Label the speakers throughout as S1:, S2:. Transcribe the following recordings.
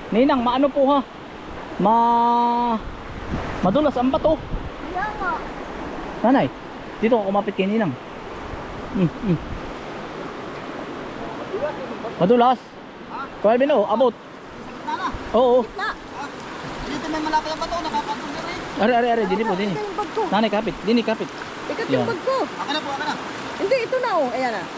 S1: Ninang, maano po ha? Madulas ang bato.
S2: Kaya nga.
S1: Nanay, dito ako kumapit kay Ninang. Madulas. Kuya Alvin, oh, abot. Oo.
S3: Dito may malapit ang bato, nakapatong na rin.
S1: Are, dini po, dini.
S2: Ito yung bag ko.
S1: Nanay, kapit. Dini, kapit.
S2: Ikat
S1: Yan.
S2: yung bag ko.
S3: Akin na po, akin na.
S2: Hindi, ito na oh. Ayan na.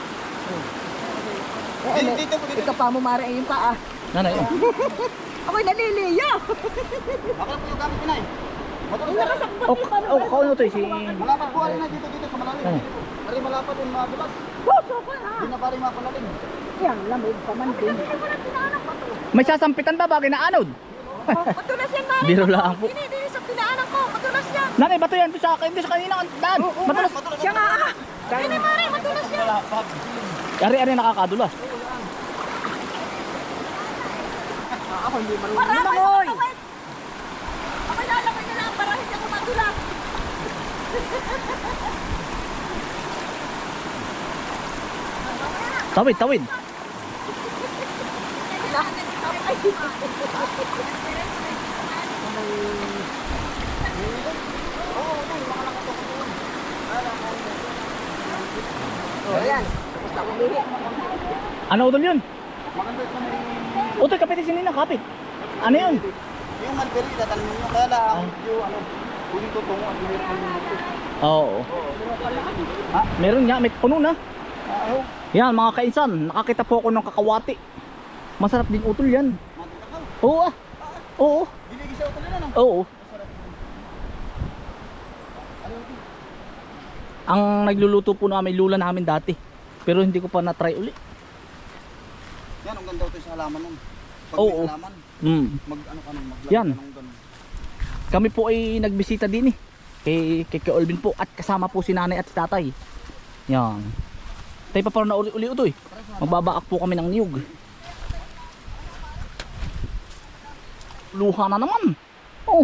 S3: Dito po, dito.
S2: Ikaw pa mo mara yung paa.
S1: Nanay, oh.
S2: Ako'y naliliyo.
S3: Akin na po yung gamit ko na eh. Matuloy sa
S2: Nakasakpat
S1: Oh,
S2: yung pano.
S1: oh, kauno to, si...
S3: Malapad po, alin na dito sa malalim.
S1: Ano?
S3: Ari malapad yung madulas.
S2: Puso ko ha.
S3: Hindi na pari mapalalim.
S2: Yan, lamig pa man din.
S1: May sasampitan ba bagay na anod?
S2: Matulas yan, Mari.
S1: Biro lang po.
S2: Hindi sa pinaanan ko. Matulas yan.
S1: Nanay, bato yan. Doon sa akin, doon sa kanina. Daan. Matulas.
S2: Siya nga. Hindi, Mari. Matulas yan.
S1: Ari, nakakadulas.
S3: Ako hindi marunong.
S2: Para ako'y matawid. Ako'y lalakay na lang para hindi ako matulas.
S1: Tawid.
S2: Ayan. Basta umihi.
S1: Ano utol yun?
S3: Maganda sa may...
S1: Utol, kapit si Ninang, kapit. Ano yun?
S3: Yung malberi, tatanong nyo. Kaya lang, yung ano, kunin ko tungo at mayroon ko yung ito.
S1: Oo. Meron nga, may puno na.
S3: Oo.
S1: Yan, mga kainsan, nakakita po ako ng kakawati. Masarap din utol yan.
S3: Matutakaw.
S1: Oo ah. Oo.
S3: Binigay sa utulan ano?
S1: Oo. Ang nagluluto po namin lula namin dati. Pero hindi ko pa na-try uli.
S3: Yan, ang ganda ito sa halaman nun. Pag
S1: Oo.
S3: may halaman, mag-ano ka nun, maglagay
S1: Yan.
S3: ka ng ganun.
S1: Kami po ay nagbisita din eh. Kay Olvin po at kasama po si nanay at si tatay. Yan. Tayo pa parang na uli utoy. Magbabaak po kami ng niyog. Luha na naman. Oh,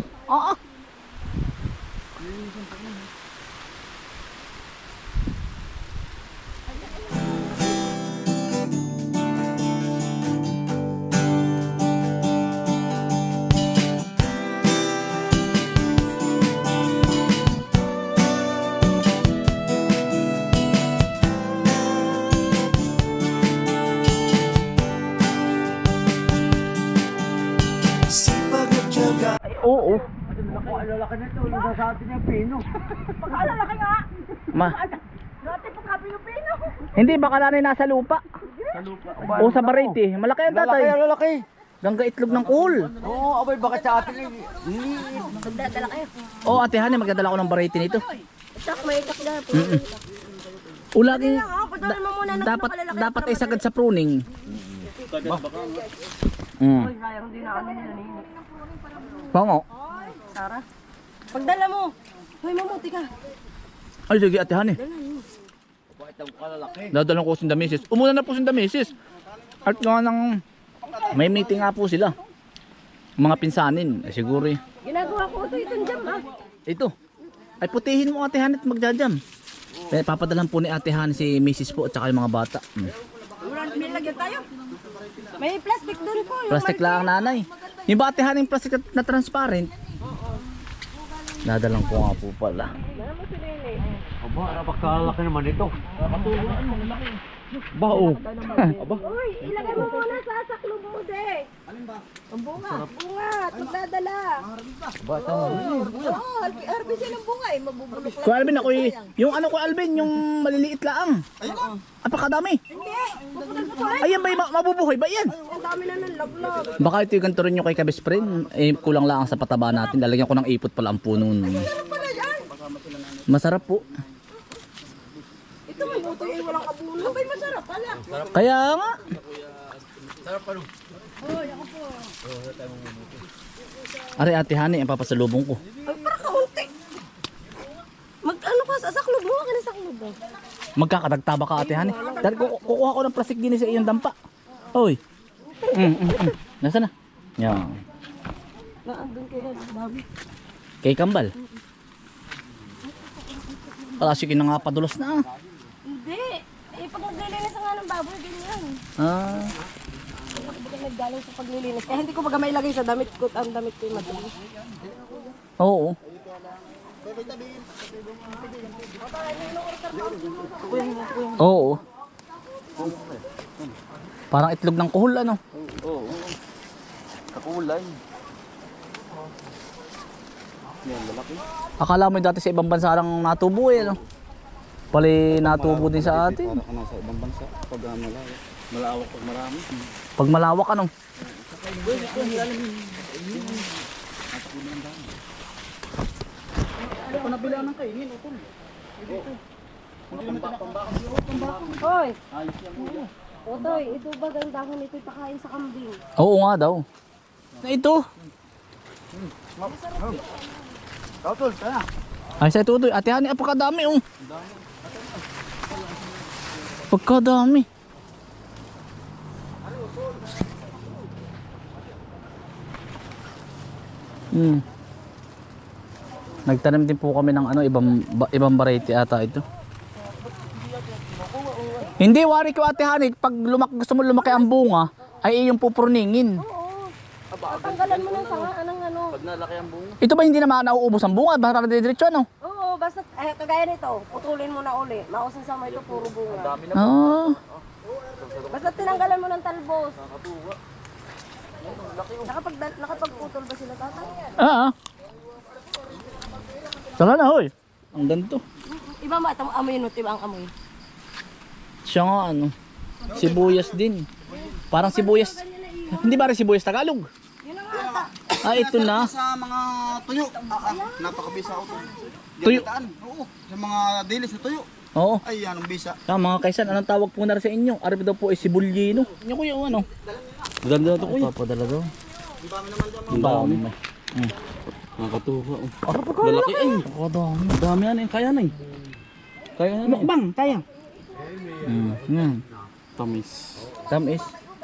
S1: Ay, oo.
S3: Lalaki nito, nasasabi niya pino.
S2: Pagkaalalaki nga.
S1: Ma.
S2: Dati pagkapi yung pino.
S1: Hindi baka nanay nasa lupa.
S3: Sa lupa.
S1: O sa barete. Malaki ang tatay.
S3: Lalaki.
S1: Gangga itlog ng kuul.
S3: Oo, abay, bakit sa atin eh.
S2: Magdadala kayo.
S1: Oh, ate Hane, magdadala ko ng barete nito.
S2: Itak, may itak na.
S1: Ulaging
S2: Pagdala mo muna ng
S1: dapat ay sagad sa pruning.
S2: Sayang din na ano nila nini.
S1: Pango.
S2: Sara. Pagdala mo. Hoy, mamuti ka.
S1: Ay, sige ate Hane. Dadalang ko si Damisis. Umuna na po si Damisis. At nga nang may meeting nga po sila. Mga pinsanin. Ay, siguro eh.
S2: Ginagawa ko ito itong jam ah.
S1: Ito. Ay putihin mo ate Hane at magjajam. Papadalan po ni ate Hane si Mrs. po at saka yung mga bata.
S2: May lagyan tayo. May plastic doon po.
S1: Plastic lang ang nanay. Yung ba ate Hane yung plastic na transparent? Dadalang ko nga po pala.
S3: Aba, napakalaki naman ito.
S1: Ba oh.
S2: Uy, ilagay mo muna sa saklob mo, de.
S3: Alin ba?
S2: Ang bunga. Bunga. At magdadala.
S1: Bata mo.
S2: Oo, RBC ng bunga eh. Mabubulok lang.
S1: Kuya Alvin ako yung ano ko Alvin, yung maliliit lang.
S3: Ayun na.
S1: Apakadami.
S2: Hindi. Puputol-putol.
S1: Ayan ba mabubuhay ba yan?
S2: Ang dami na ng laglag.
S1: Baka ito yung ganito rin yung kay Kabis Friend. Eh, kulang lang sa pataba natin. Lalagyan ko ng ipot pala ang puno nun.
S2: Ano pala yan?
S1: Masarap po.
S2: Ito may buto eh. Walang kabulo. Abay, masarap pala.
S1: Kaya nga. Are ate Hane, ang papasalubong ko.
S2: Ay, para kaunti. Mag-ano ka sa saklob mo? Ka na saklob mo.
S1: Magkakadagtaba ka ate Hane. Dahil kukuha ko ng plastic din sa iyong dampa. Oy. Nasaan na? Yan.
S2: Naandun kayo na, babi.
S1: Kay Kambal. Kasi na nga padulas na.
S2: Hindi. Eh, pag maglilinis nga ng baboy, ganyan.
S1: Ah.
S2: lamig galing sa paglilinis. Kaya hindi ko baga mailagay sa damit ko. Ang damit ko yung matulis.
S1: Oo. Oo. Parang itlog ng kuhol ano.
S3: Oo. Kakulay. Yan, lalaki.
S1: Akala mo dati sa ibang bansa lang natubo eh ano. Pali natubo din sa atin.
S3: Para ka nasa ibang bansa. Pag malawak. Malawak pag marami.
S1: Pag malawak ano.
S3: Ako nabila ng kainin, utol.
S2: Hoy!
S3: Ayos yan mo.
S2: Otoy, ito ba ang dahon ito pakain sa kambing?
S1: Oo nga daw. Na ito.
S3: Utol, kaya.
S1: Ay sa ito ito. Ate Hani, apakadami oh. Pagkadami. Nagtanim din po kami ng ano ibang variety ata ito. Hindi wari ko Ate Hani, pag gusto mo lumaki ang bunga ay iyong pupurningin.
S2: Oo. Tatanggalan mo ng sanga, anong ano.
S3: Pag nalaki ang bunga.
S1: Ito ba hindi naman nauubos ang bunga? Basta diretso ano?
S2: Oo, basta, kagaya nito, putulin mo na uli. Mausin sa mo ito, puro bunga.
S3: Dami na.
S1: Ah.
S2: Basta tinanggalan mo ng talbos. Nakapagputol ba sila tatay?
S1: Ah. Saka na hoy. Ang ganito.
S2: Iba ba, amoy no, iba ang amoy.
S1: Siya nga ano. Sibuyas din. Parang sibuyas. Hindi ba rin sibuyas Tagalog?
S2: Yun ang ata.
S1: Ah, ito na.
S3: Sa mga tuyo. Napakabisa ako to.
S1: Tuyo?
S3: Gamitaan. Oo. Sa mga dilis na tuyo.
S1: Oo.
S3: Ay, yan ang bisa.
S1: Ah, mga kaisan, anong tawag po na rin sa inyo? Arip daw po ay sibulyino. Inyo kuya, ano? Ganda to kuya. Papadala daw.
S3: Ang dami naman dyan mga.
S1: Ang dami.
S3: Nakatuha.
S1: Lalaki ay. Ang dami.
S3: Ang dami yan eh. Kaya na eh. Kaya na eh.
S1: Mukbang, kaya. Yan.
S3: Tamis.
S1: Tamis.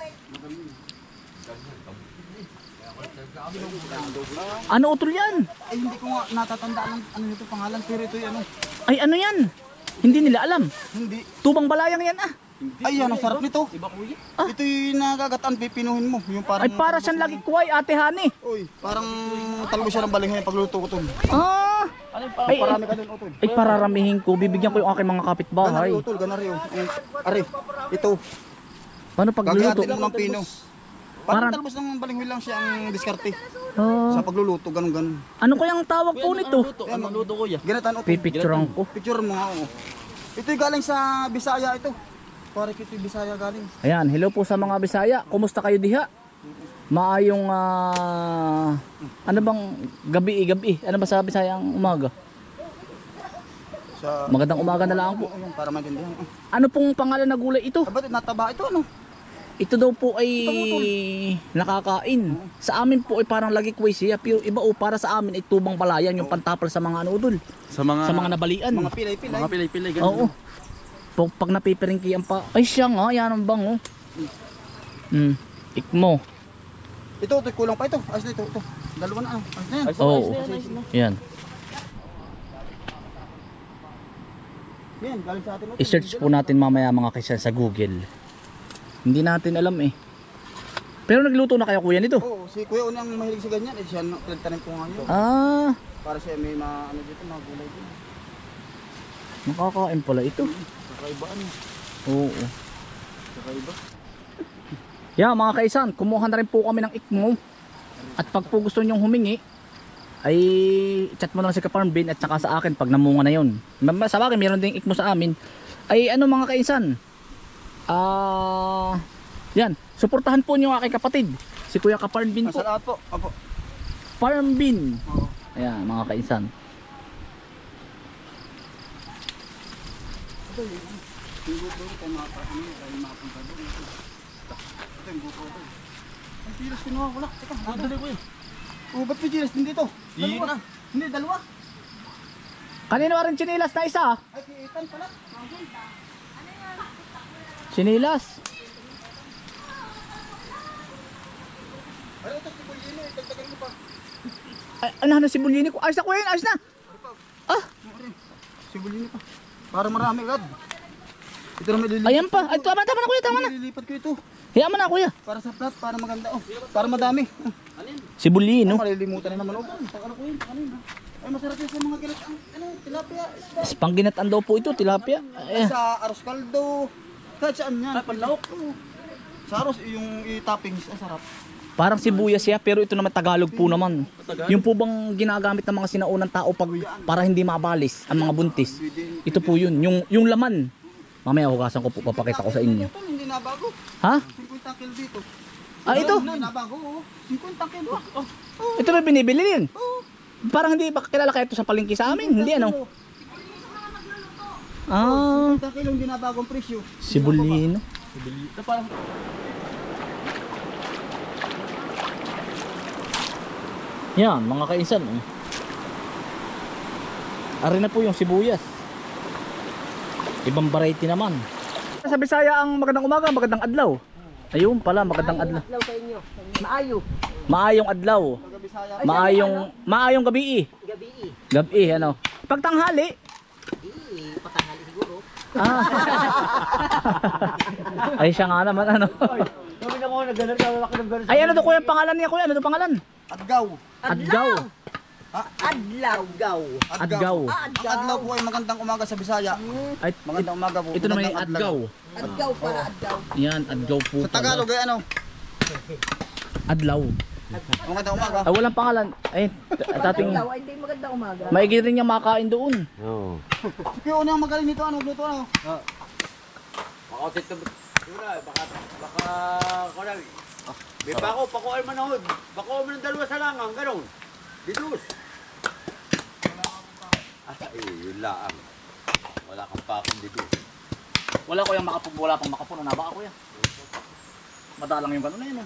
S1: Ano utol yan?
S3: Ay, hindi ko nga natatandaan ang ano nito pangalan. Pero ito yung ano.
S1: Ay ano yan? Hindi nila alam.
S3: Hindi.
S1: Tubang balayang yan ah.
S3: Ay, yan ang sarap nito. Ito yung nagagataan, pipinuhin mo. Yung parang,
S1: Ay para siyang lagi kuway Ate Hani.
S3: Uy, parang talbo siya ng balinghay pagluto ko to.
S1: Ah. Ay,
S3: Parami ka dun, utol.
S1: ay pararamihin ko. Bibigyan ko yung aking mga kapitbahay.
S3: Ganari, utol, ganari. Ari, ito.
S1: Paano pagluluto?
S3: Gagatin mo ng pino.
S1: Parang-
S3: Parang talbos ng balinghoy lang siya ang diskarte.
S1: Ah.
S3: Sa pagluluto, ganun-ganun.
S1: Ano kayang tawag po nito?
S3: Ano luto ko ya? Ganataan, utol.
S1: Pipicturean ko.
S3: Picture mo nga, oo. Ito yung galing sa Bisaya ito. Pare ito yung Bisaya galing.
S1: Ayan, hello po sa mga Bisaya. Kumusta kayo diha? Maayong ano bang gabi? Ano ba sa Bisaya ang umaga?
S3: Sa...
S1: Magandang umaga na lang po.
S3: Oo, yun, para maintindihan.
S1: Ano pong pangalan na gulay ito?
S3: Ba't nataba ito, ano?
S1: Ito daw po ay nakakain. Sa amin po ay parang lagi kway siya. Pero iba o para sa amin ay tubang palayan yung pantapal sa mga ano udol.
S3: Sa mga
S1: nabalian.
S3: Mga pilay-pilay. Mga pilay-pilay,
S1: Oo. Pag napipiringkian pa. Ay siya nga, yan ang bango. Ikmo.
S3: Ito, kulang pa ito. Ayos na ito. Dalawa na, ano? Ayos na yan.
S1: Oo. Yan.
S3: Yan, galing sa atin. Utol.
S1: I-search po natin mamaya mga kaisan sa Google. Hindi natin alam eh. Pero nagluto na kayo kuya nito?
S3: Oo, si Kuya Uni ang mahilig sa ganyan. Eh, siya pinagtanim ko ngayon.
S1: Ah,
S3: Para siya may ano dito, mga gulay dito.
S1: nakakain pala ito.
S3: Kakaiba ano.
S1: Oo.
S3: Kakaiba.
S1: Yeah, mga kaisan, kumuha na rin po kami ng ikmo. At pag po gusto nyong humingi, ay chat mo na si Kaparm Bin at saka sa akin pag namunga na yun. Sa akin, meron ding ikmo sa amin. Ay ano mga kaisan, yan, suportahan po nyo ang aking kapatid. Si Kuya Kaparm Bin po.
S3: Masalamat po. Opo.
S1: Farm Bin.
S3: Oo.
S1: Ayan, mga kaisan.
S3: Ito yung buko ko mga ano, ay mapunta doon. Ito yung buko ko. Ang pilas kinuha ko lang. Teka, dali ko yun. Oh, ba't may chilas din dito? Dalawa. Hindi, dalawa.
S1: Kanino rin chinilas na isa?
S3: Ay, kiitan pala.
S1: Chinilas.
S3: Ay, ito si Bulino. Itagtagan ko pa.
S1: Ay, ano si Bulini ko? Ayos na ko yun, ayos na. Ah,
S3: Si Bulino pa. Para marami agad. Ito na may lilipat.
S1: ayan pa. Ay, tama na kuya, tama na.
S3: Lilipat ko ito.
S1: Hiya mo na kuya.
S3: Para sa plat, para maganda. Oh, para madami.
S1: Sibulino.
S3: Malilimutan na naman. Oh, pag ano ko yun, ano yun. Ay, masarap yun sa mga ganit. Ano, tilapia. Isda.
S1: Pangginatan daw po ito, tilapia.
S3: Ay, sa aros kaldo. Kahit saan yan. Ay, panlawak. Sa aros, yung toppings, ang sarap.
S1: Parang sibuyas siya, pero ito naman Tagalog po naman. Yung po bang ginagamit ng mga sinaunang tao para hindi mabalis ang mga buntis. Ito po yun, yung laman. Mamaya hugasan ko po, papakita ko sa inyo.
S3: Ito, hindi nabago.
S1: Ha?
S3: 50 kilo dito.
S1: Ah, ito?
S3: Hindi nabago, oh. 50 kilo. Oh.
S1: Ito ba binibili din?
S3: Oh.
S1: Parang hindi ba kilala kayo ito sa palengke sa amin? Hindi ano? Ah,
S3: 50 kilo, hindi nabago ang presyo.
S1: sibulino.
S3: Ito parang...
S1: Yan, mga kainsan. Ari na po yung sibuyas. Ibang variety naman. Sa Bisaya ang magandang umaga, magandang adlaw. Ayun pala, magandang adlaw.
S2: Adlaw sa inyo. Maayo.
S1: Maayong adlaw.
S3: Taga-Bisaya.
S1: Maayong gabi.
S2: Gabi.
S1: Gabi, ano. Pag tanghali.
S2: Patanghali siguro.
S1: Ah. Ay siya nga naman, ano.
S3: Sabi na ko, nagganap na wala ka ng ganun.
S1: Ay, ano to kuya pangalan niya kuya? Ano to pangalan?
S3: Adgaw.
S1: Adgaw.
S2: Adlaw.
S1: Adgaw.
S3: Ang adlaw po ay magandang umaga sa Bisaya.
S1: Ay,
S3: Magandang umaga po.
S1: ito naman yung
S3: Magandang
S1: adgaw.
S2: Adlaw para adlaw.
S1: Yan, adgaw po.
S3: Sa Tagalog ay ano?
S1: Adlaw.
S3: Magandang umaga.
S1: Ay, walang pangalan. Ay, tating
S2: Adlaw ay hindi maganda umaga.
S1: maigi rin niya makain doon.
S3: Kaya una ang magaling nito, ano, luto ano?
S4: Makautit ka baka kunag. May pako ay manahod. Bako man ng dalawa sa langang, ganun. Didus. Ay, yun lang. Wala kang pakong didus.
S1: Wala ko yung wala pang makapuno na ba ako yan? Madalang yung gano'n na yun.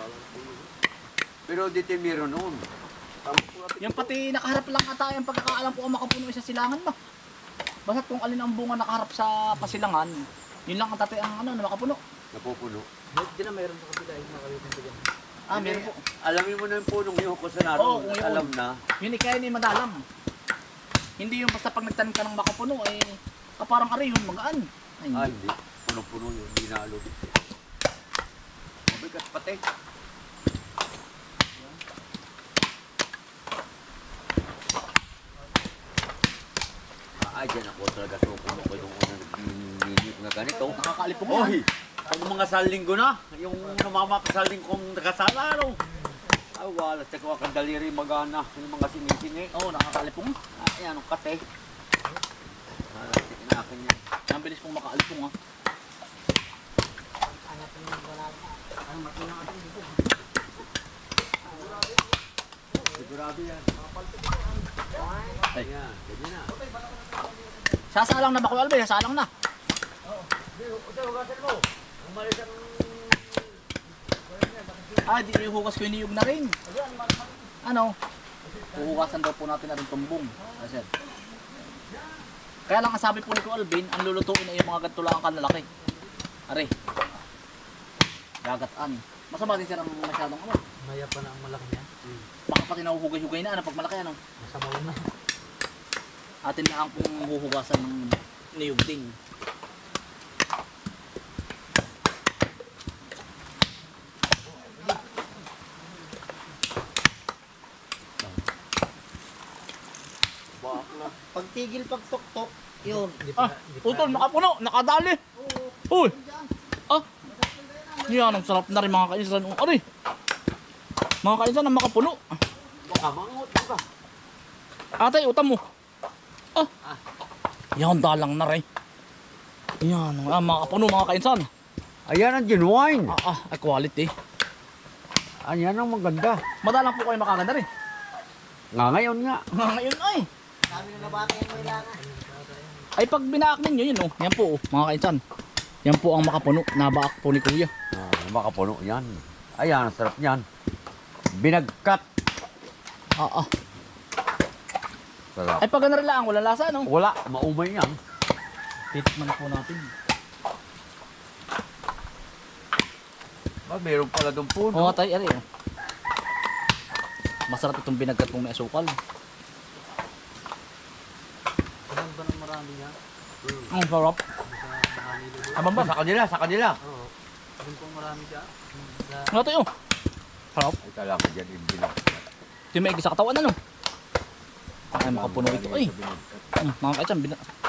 S4: Pero dito meron noon.
S1: Yung pati nakaharap lang ata yung pagkakaalam ko kung makapuno sa silangan ba? Basta kung alin ang bunga nakaharap sa pasilangan, yun lang ang tatay ang ano, na makapuno.
S4: Napupuno.
S2: Hindi na mayroon sa kabila yung nakalitin ko dyan.
S1: Ah, meron po.
S4: Alamin mo na yung punong yung ko sa
S1: Oo,
S4: naroon.
S1: kung yun.
S4: Alam na.
S1: Yun kaya ni madalam. Hindi yung basta pag nagtanim ka ng makapuno, ay kaparang ari yun, magaan. Ay,
S4: Ah,
S1: hindi.
S4: hindi. Punong-puno yun. Hindi na alog. Mabigat pati. Ay, dyan ako talaga supuno ko yung unang minute na ganito.
S1: Nakakalipong yan.
S4: Oy! Pag mga salinggo na, yung namamakasaling kong nakasala, ano? Ay, wala. Tsaka wakang daliri magana. Yung mga sinisingi.
S1: Oo, nakakalipong.
S4: Ay, anong kate? Wala, tikin akin yan.
S1: Ang bilis pong makaalipong ha.
S4: Sigurado yan.
S1: Ay.
S4: Yan, ganyan na.
S1: Sasalang na ba ko Albe? Sasalang na.
S4: Hugasan mo. Umalis ang...
S1: Ah, di yung hugas ko iniyog na rin. Ano? Huhugasan daw po natin na rin tumbong. Kasi, kaya lang ang sabi po ni Ko Alvin, ang lulutuin ay yung mga gantulangan kanlalaki. Are. Gagataan. Masama din sir ang masyadong ano.
S2: Maya pa na ang malaki niya.
S1: Baka pati nahuhugay-hugay na ano pag malaki ano.
S2: Masabaw na.
S1: Atin na ang pong huhugasan ng niyog din.
S3: Pagtigil pagtok-tok, yun.
S1: Ah, utol, nakapuno, nakadali. Uy. Ah. Yan, ang sarap na rin mga kainsan. Aray. Mga kainsan, ang makapuno.
S4: Baka mangot ka.
S1: Atay, utam mo. Ah. Yan, dalang na rin. Yan, makapuno mga kainsan.
S4: Ayan ang genuine.
S1: Ay quality.
S4: Ayan ang maganda.
S1: Madalang po kayo makaganda rin.
S4: Nga ngayon nga.
S1: Ngayon ay.
S2: Kami na nabata yung kailangan.
S1: Ay pag binaak ninyo yun oh. Yan po oh, mga kainsan. Yan po ang makapuno. Nabaak po ni Kuya.
S4: Makapuno yan. Ayan, ang sarap niyan. Binagkat. Sarap.
S1: Ay pag ganun rin lang, walang lasa no?
S4: Wala, maumay yan.
S1: Titikman po natin.
S4: Meron pala doon po.
S1: Oo tay, ari oh. Masarap itong binagkat pong may asukal.
S2: Ilan ba ng marami niya?
S1: Ang sarap.
S4: Sa kanila, sa kanila.
S2: Oo.
S1: Ano tayo? Sarap.
S4: Ay, kala ko dyan, hindi na.
S1: Ito yung may sa katawan ano. Ay, makapuno ito. Ay, mga kaitsan.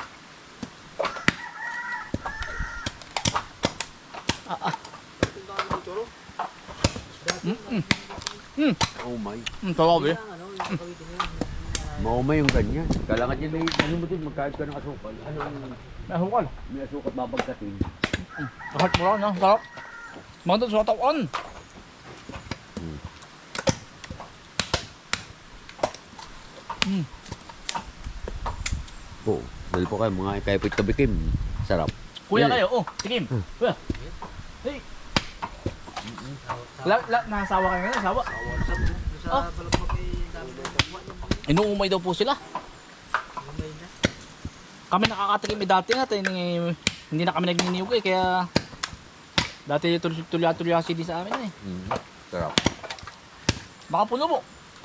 S4: Oh my.
S1: Sarap eh.
S4: Maumay yung ganyan. Kala ka dyan, may ano mo din, magkahit ka ng asukal. Ano yung
S1: May hukal.
S4: may asukal babagkatin?
S1: Sarap mo lang, sarap. Mga doon sa katawan.
S4: Oo. Dahil po kayo, mga kaipit kabikim. Sarap.
S1: Kuya
S4: Eh.
S1: kayo, oh, tikim. Kuya. Hey. Nasawa kayo ngayon, nasawa. Oh. Inuumay daw po sila. Kami nakakatikim dati natin, hindi na kami nagniniyog eh, kaya dati tulya-tulya din sa amin eh.
S4: Sarap.
S1: Baka puno mo.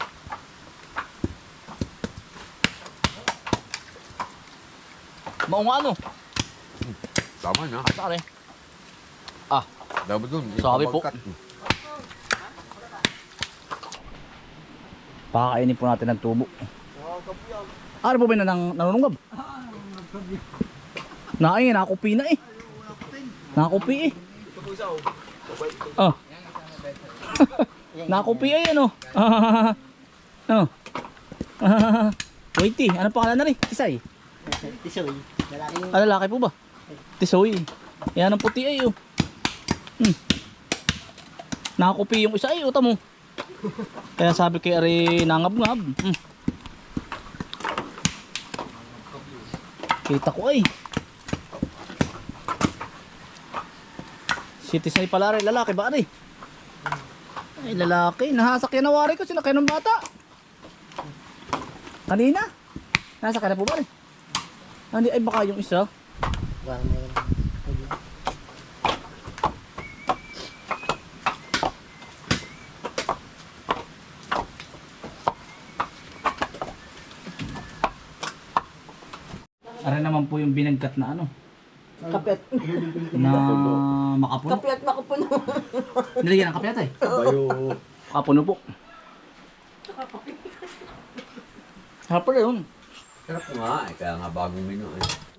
S1: Maunga ano?
S4: Tama na.
S1: Sari.
S4: Dapat dun.
S1: Sabi po. Pakakainin po natin ng tubo. Ano po ba na nanunungab? Nakakupi na eh. Nakakupi eh. Oh. Nakakupi ay ano. Ano? Wait ano pangalan na rin? Tisay.
S2: Tisoy. Lalaki yung...
S1: Ah, lalaki po ba? Tisoy. Yan ang puti ay oh. Nakakupi yung isa ay uta mo. Kaya sabi kay Ari nangab-ngab. Kita ko ay. Si Tisay pala rin, lalaki ba Ari? Ay lalaki, nahasakyan na wari ko, sinakay ng bata. Kanina? Nasakyan na po ba Ari? Hindi ay baka yung isa.
S2: Baka meron.
S1: Ara naman po yung binagkat na ano,
S2: Kapit.
S1: na makapuno.
S2: Kapit makapuno.
S1: Nilagyan ng kape ata eh.
S4: Bayo.
S1: Makapuno po. Sarap pala yun.
S4: Sarap nga. Kaya nga bagong menu eh.